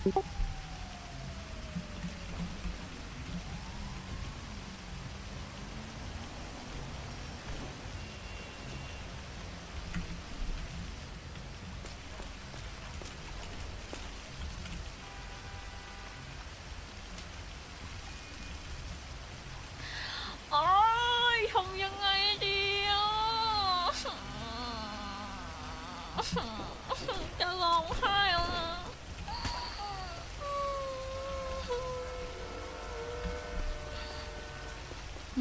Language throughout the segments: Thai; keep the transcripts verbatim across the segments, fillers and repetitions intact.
โอ๊ยทำยังไงดีอ่ะจะร้องไห้แล้วนะหึ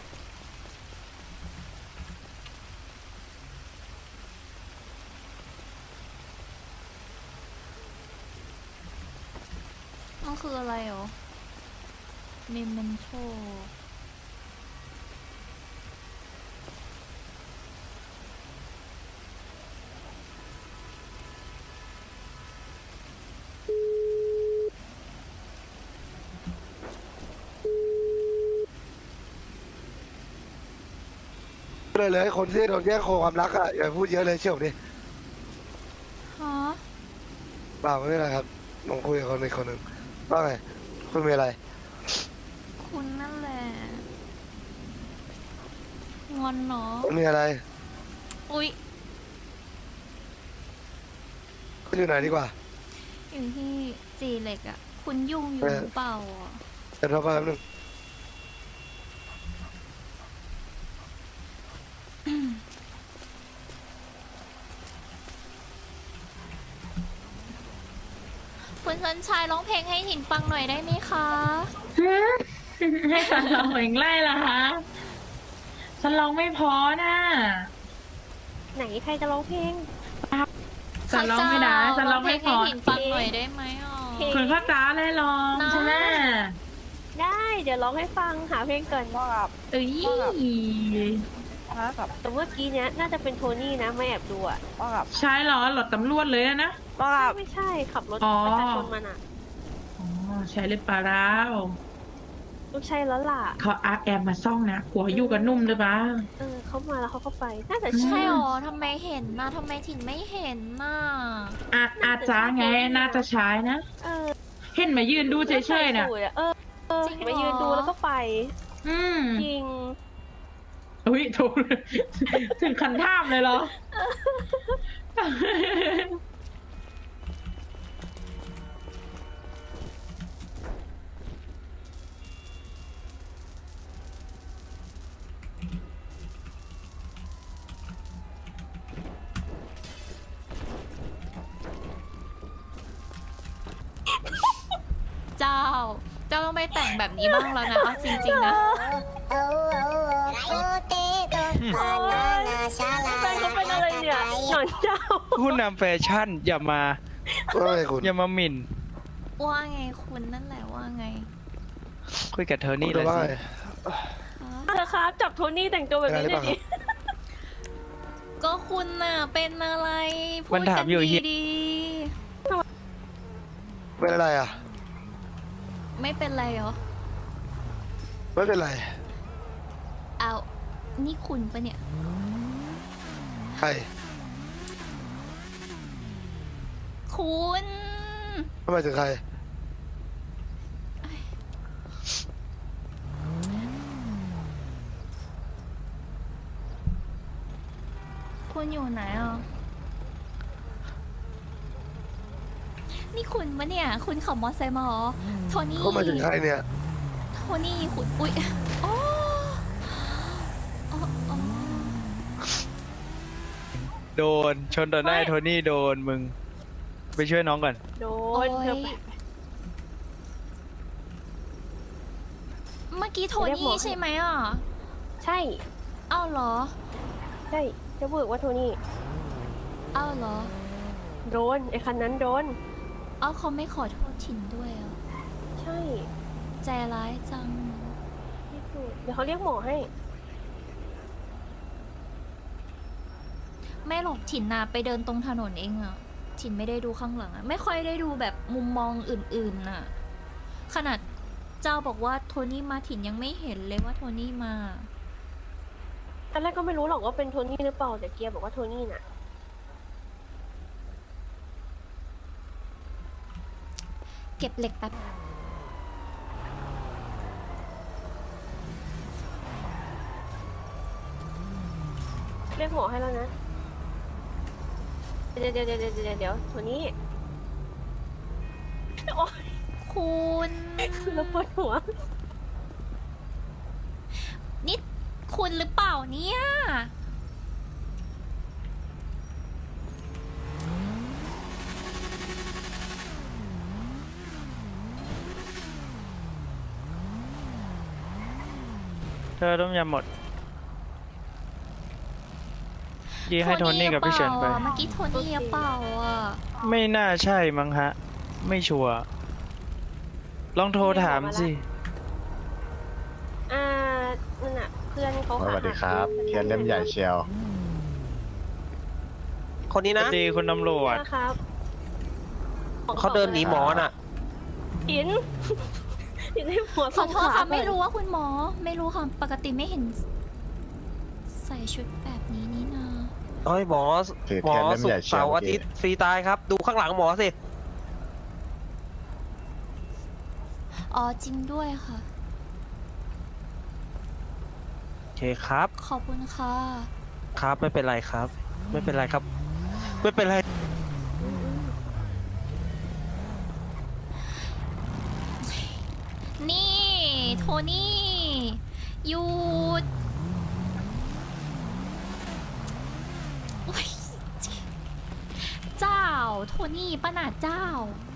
มันคืออะไรเหรอเมมเมนโทเลยเลยคนที่โดนแย่งโคความรักอ่ะอย่าพูดเยอะเลยเชื่อผมดิฮะเปล่าไม่เป็นไรครับลองคุยกับคนอีกคนหนึ่งว่าไงคุณมีอะไรคุณนั่นแหละงอนเนาะคุณมีอะไรอุ๊ยคุณอยู่ไหนดีกว่าอยู่ที่จีเหล็กอะคุณยุ่งอยู่เออหรือเปล่าอะเดี๋ยวเราไปแป๊บนึงคุณสันชายร้องเพลงให้หินฟังหน่อยได้ไหมคะให้ฉันร้องเพลงไล่ละคะฉันร้องไม่พอน่ะไหนใครจะร้องเพลงฉันร้องไม่ได้ฉันร้องไม่พอร้องเพลงให้หินฟังหน่อยได้ไหมอ่ะเพลงคุณพ่อจ้าเลยร้องนะใช่ไหมได้เดี๋ยวร้องให้ฟังหาเพลงเกินว่าแบบเอ้ยว่าแบบแต่เมื่อกี้เนี้ยน่าจะเป็นโทนี่นะไม่แอบดูอะว่าแบบใช่เหรอหลดตำรวจเลยอะนะว่าแบบไม่ใช่ขับรถอ๋อประชาชนมันอะอ๋อใช่เลยปลาร้าวต้องใช่แล้วล่ะเขาอาร์แอมมาซ่องนะหัวอยู่กับนุ่มเลยบ้าเออเขามาแล้วเขาก็ไปน่าจะอืมใช่ใช่หรอทำไมเห็นนะทำไมถิ่นไม่เห็นน่ะอาอาจ้าไงน่าจะใช้นะเออเห็นมายืนดูเฉยๆน่ะใส่สูทอเออเออมายืนดูแล้วก็ไปอืมจริงอุ้ยถูกถึงคันท่ามเลยเหรอเจ้า เจ้าต้องไม่แต่งแบบนี้บ้างแล้วนะเอาจริงๆนะแฟนเขาเป็นอะไรเนี่ยหนอนเจ้าผู้นำแฟชั่นอย่ามาว่าไงคุณอย่ามาหมิ่นว่าไงคุณนั่นแหละว่าไงคุยกับเธอนี่คุณเลยว่าสิไงฮะเธอครับจับโทนี่แต่งตัวแบบนี้หน่อยดิก็คุณน่ะเป็นอะไรพูมันดถากัมนอยู่เฮียดีเป็นอะไรอ่ะๆไม่เป็นไรเหรอไม่เป็นไรเอานี่คุณปะเนี่ยใครคุณทำไมถึงใครคุณอยู่ไหนอ่ะ นี่คุณปะเนี่ย คุณขับมอเตอร์ไซค์มาเหรอ โทนี่เขามาถึงใครเนี่ยโทนี่คุณ อุ๊ยโอ้โอ้โอ้โดน ชนต่อหน้าโทนี่โดนมึง ไปช่วยน้องก่อนโดโอ้นเธอยเมื่อกี้โทเรียกหมนี่อใช่ไหมอ่ะใช่เอ้าเหรอใช่จะบอกว่าโทนี่เอ้าเหรอโดนไอ้คันนั้นโดนเอ้าเขาไม่ขอโทษถิ่นด้วยเหรอ่ะใช่ใจร้ายจังที่สุดเดี๋ยวเขาเรียกหมอให้ไม่หรอกถิ่นนาไปเดินตรงถนนเองอะถิ่นไม่ได้ดูข้างหลังอะไม่ค่อยได้ดูแบบมุมมองอื่นๆน่ะ ขนาดเจ้าบอกว่าโทนี่มาถิ่นยังไม่เห็นเลยว่าโทนี่มาตอนแรกก็ไม่รู้หรอกว่าเป็นโทนี่หรือเปล่าแต่เกียร์บอกว่าโทนี่น่ะเก็บเหล็กแป๊บเรียกหมอให้แล้วนะ เดี๋ยวเดี๋ยวเดี๋ยวเดี๋ยวเดี๋ยวเดี๋ยวตัวนี้โอ๊ยคุณเราปวดหัวนี่คุณหรือเปล่าเนี่ยเธอต้มยำหมดยี่ให้โทนี่กับพี่เฉินไปโทนี่หรือเปล่าอะเมื่อกี้โทนี่หรือเปล่าอ่ะไม่น่าใช่มั้งฮะ ไม่ชัวร์ลองโทรถามสิอ่านั่นน่ะเพื่อนเขาสวัสดีครับเทียนเล่มใหญ่เชียวคนนี้สวันะสดีคุณตำรวจนะครับเขาเดินหนีหมอน่ะอิน อินให้หัวขอโทษค่ะส่งขวาไม่รู้ว่าคุณหมอ ไม่รู้ค่ะ ปกติไม่เห็น ใส่ชุดแบบนี้นี่นาเอ้ยหมอถือหมอเทียนเล่มสุใหกญ่ร์เชียวเสาร์อาทิตย์ฟรีตายครับ ดูข้างหลังหมอสิอ๋อจริงด้วยค่ะโอเคครับขอบคุณค่ะครับไม่เป็นไรครับ ไม่เป็นไรครับ ไม่เป็นไรนี่ โทนี่หยุดโอ๊ยเจ้า โทนี่ป้าหนาเจ้า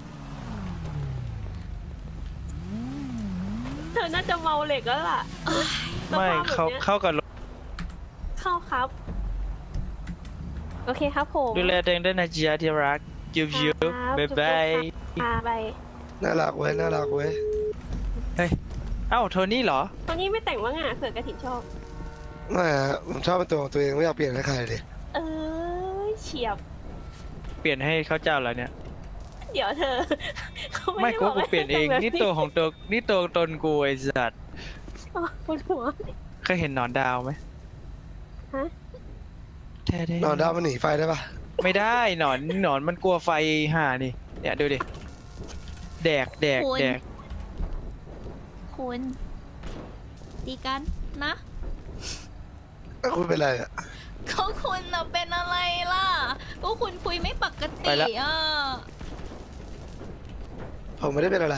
เธอน่าจะเมาเหล็กแล้วล่ะไม่สภาพแบบเขานี้ยเข้ากับรถเข้าครับ โอเคครับผมดูแลตัวเองด้วยนะจ๊ะที่รักยูยูครับบ๊ายบายอ่าไปน่ารักเว้ยน่ารักเว้ยเฮ้ย เอ้าโทนี่เหรอตอนนี้ไม่แต่งว่างอ่ะเผื่อกระถิ่นชอบไม่ฮะผมชอบเป็นตัวของตัวเองไม่อยากเปลี่ยนให้ใครเลยเออเฉียบเปลี่ยนให้เขาเจ้าแล้วเนี่ยเดี๋ยวเธอ เขาไม่ไม่ได้กูบอกกูเปลี่ยนเองให้นี่ทำแบบตัวของตัว นี่ตัวตนกูไอ้สัตว์อ๋อปวดหัวเคยเห็นหนอนดาวไหมฮะแท้ๆนอนดาวมันหนีไฟได้ปะไม่ได้หนอนหนอนมันกลัวไฟห่านี่ เนี่ยดูดิ แดกแดกคุณแดกคุณดีกันนะแล้วคุณเป็นไรอ่ะก็คุณน่ะเป็นอะไรล่ะ ก็คุณคุยไม่ปกไปติละอ่ะผมไม่ได้เป็นอะไร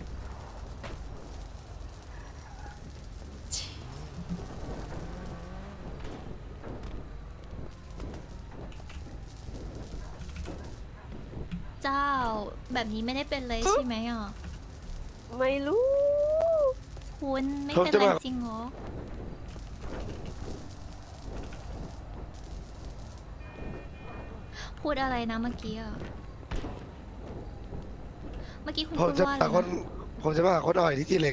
เจ้า แบบนี้ไม่ได้เป็นเลยใช่ไหมอ่ะไม่รู้คุณไม่ผมเป็นจะไรมาจริงเหรอ พูดอะไรนะเมื่อกี้อ่ะ เมื่อกี้คุณผมพูดจะว่าหาอะไรคนนะผมจะมาหาคนอ่อยที่จีเหล็ก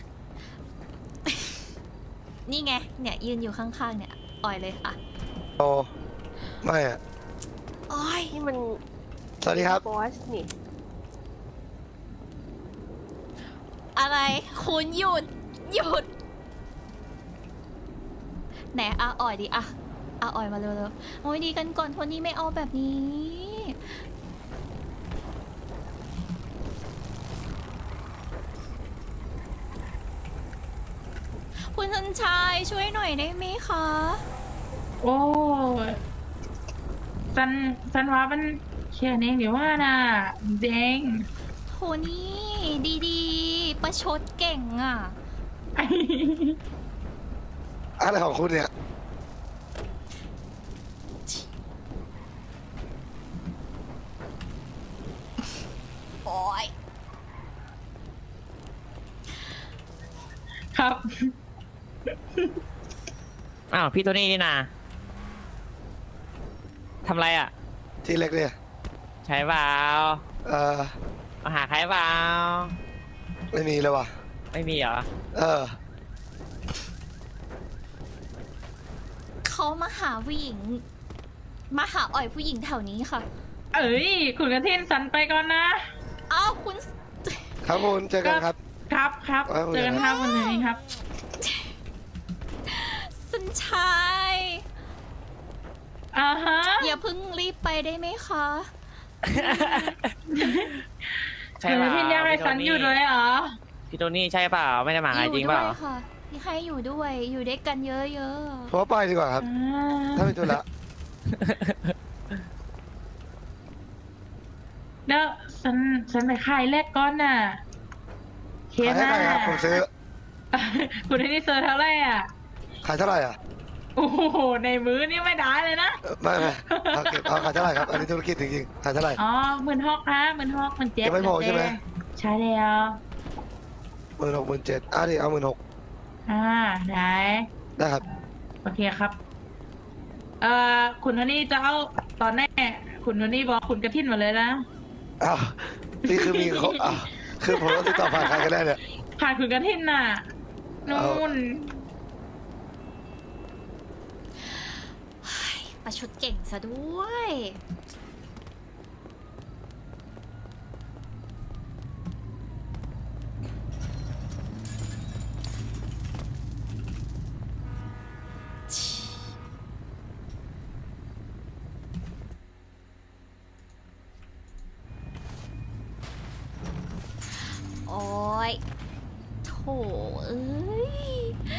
นี่ไง เนี่ยยืนอยู่ข้างๆเนี่ย อ่อยเลยค่ะโอไม่อ่ะอ้อยนี่มันสวัสดีครับบอสนี่อะไร คุณหยุด หยุด ไหนอ่ะอ่อยดิอ่ะอ่ะอ่อยมาเร็วๆโอ้ยดีกันก่อนโทนี่ไม่เอาแบบนี้ คุณชันชายช่วยหน่อยได้ไหมคะโอ้ยซันซันว่ามันแค่นี้หรือว่าน่ะเด้งโทนี่ดีๆ ประชดเก่งอ่ะอะไรของคุณเนี่ยโอ้ยครับอ้าวพี่โทนี่นี่นาทำไรอ่ะจีเหล็กเนี่ยใช้เปล่าเออมาหาใครเปล่าไม่มีเลยว่ะไม่มีเหรอเออเขามาหาผู้หญิง มาหาอ่อยผู้หญิงแถวนี้ค่ะเอ้ยคุณกระเทนสันไปก่อนนะอ้าวคุณครับคุณเจอกันครับครับครับเอาเลยเจอกันครับวันนี้ครับสัญชัยอ่าฮะอย่าเพิ่งรีบไปได้ไหมคะใช่คุณเปกล่าระเทนอยากให้ซันอยู่ด้วยเหรอพี่โทนี่ใช่เปล่าไม่ได้มาหาอยู่จริงด้เปวล่ายค่ะให้อยู่ด้วยอยู่ด้วยกันเยอะเพราะว่าไปดีกว่าครับอ่าถ้าไม่ธุระแล้วฉันฉันไปขายแรกก้อนน่ะเคขายให้น่าใครครับผมซื้อคุณนี่เซอร์เท่าไหร่อ่ะขายเท่าไหร่อ่ะโอ้โหในมื้อนี่ไม่ได้เลยนะเอ่อไม่ไม่เอาเก็บเอาขายเท่าไหร่ครับอันนี้ธุรกิจจริงๆขายเท่าไหร่อ๋อหมื่นหกนะหมื่นหกหมื่นเจ็ดยังไม่พอใช่ไหมใช่แล้วหมื่นหกหมื่นเจ็ดอ่ะดิเอาหมื่นหกอ่าได้ได้ครับโอเคครับ เอ่อคุณโทนี่จะเอาตอนแรกคุณโทนี่บอกคุณกระทินมาเลยนะอ้าวนี่คือมีเขาอ้าวคือผมต้องติดต่อผ่านใครกันได้เนี่ยผ่านคุณกระทินน่ะนู่เอานๆประชดเก่งซะด้วย โอ้ยโถเอ้ย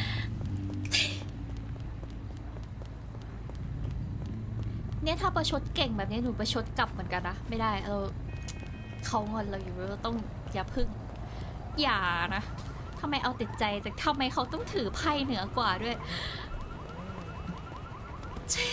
เนี่ยถ้าประชดเก่งแบบนี้หนูประชดกลับเหมือนกันนะ ไม่ได้เราเขางอนเราอยู่เราต้องอย่าพึ่ง อย่านะทำไมเอาติดใจแต่ทำไมเขาต้องถือไพ่เหนือกว่าด้วยเช่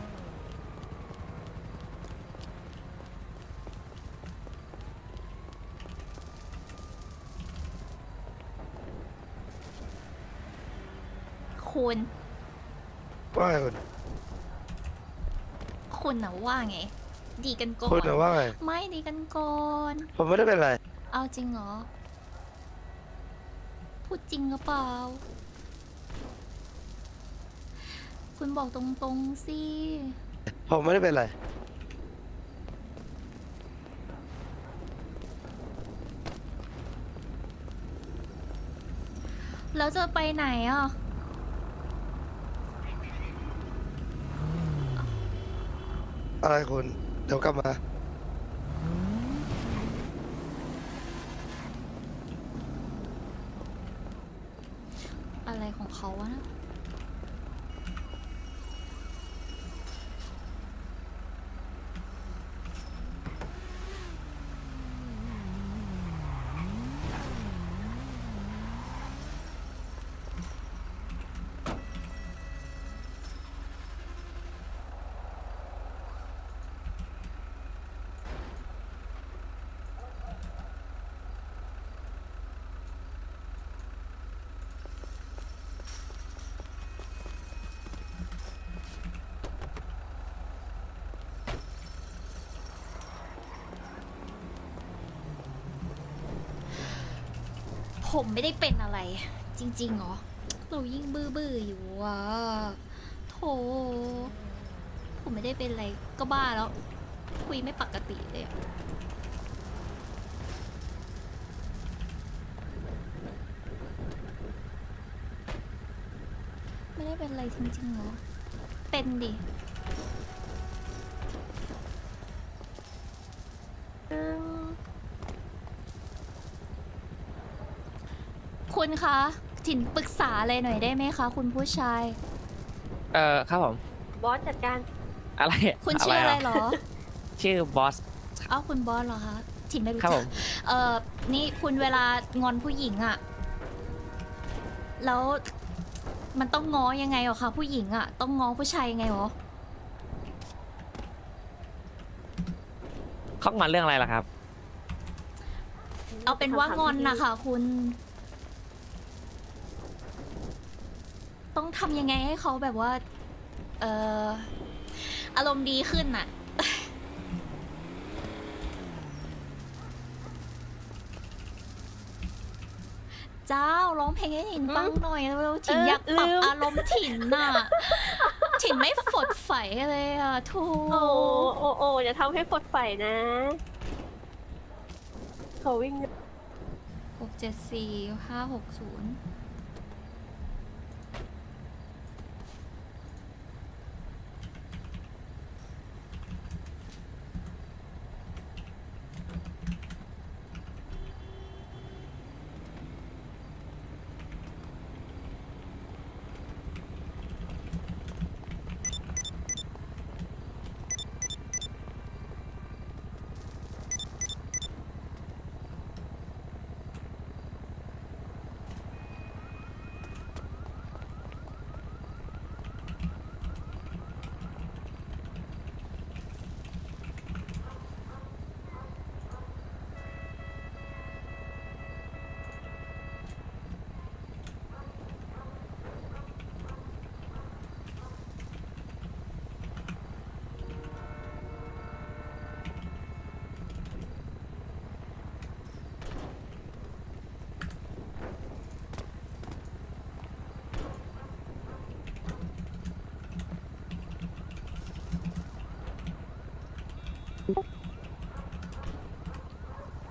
คุณว่าไงคุณคุณนะว่าไง ดีกันก่อนคุณน่ะว่าไงไม่ดีกันก่อนผมไม่ได้เป็นไรเอาจริงเหรอ พูดจริงหรือเปล่า คุณบอกตรงๆสิผมไม่ได้เป็นไรแล้วจะไปไหนอ่ะอะไรคุณ เดี๋ยวกลับมาอะไรของเขาวะนะ ผมไม่ได้เป็นอะไร จริงๆเหรอ เรายิ่งบื้อๆอยู่อ่ะโถผมไม่ได้เป็นอะไร ก็บ้าแล้ว คุยไม่ปกติเลยอะไม่ได้เป็นอะไรจริงๆเหรอ เป็นดิอืม คุณคะถิ่นปรึกษาอะไรหน่อยได้ไหมคะ คุณผู้ชายเออครับผมบอสจัดการอะไรคุณชื่ออะไระเหรอชื่อบอสเอ้าคุณบอสเหรอคะ ถิ่นไม่รู้ครับจัผกมเอ่อ นี่คุณเวลางอนผู้หญิงอะแล้วมันต้องง้อยังไงเหรอคะผู้หญิงอะต้องง้อผู้ชายยังไงเหรอเขางอนเรื่องอะไรล่ะครับเอาเป็นว่างอนนะคะคุณ ต้องทำยังไงให้เขาแบบว่า เอ่อ อารมณ์ดีขึ้นน่ะ เจ้าร้องเพลงให้ถิ่นฟังหน่อยเร็วๆถิ่นอยากปรับอารมณ์ถิ่นน่ะ ถิ่นไม่ฝดใสเลยอ่ะทูโอ้โอ้โอ้อย่าทำให้ปลดไฟนะเขาวิ่งหกเจ็ดสี่ห้าหกศูนย์เ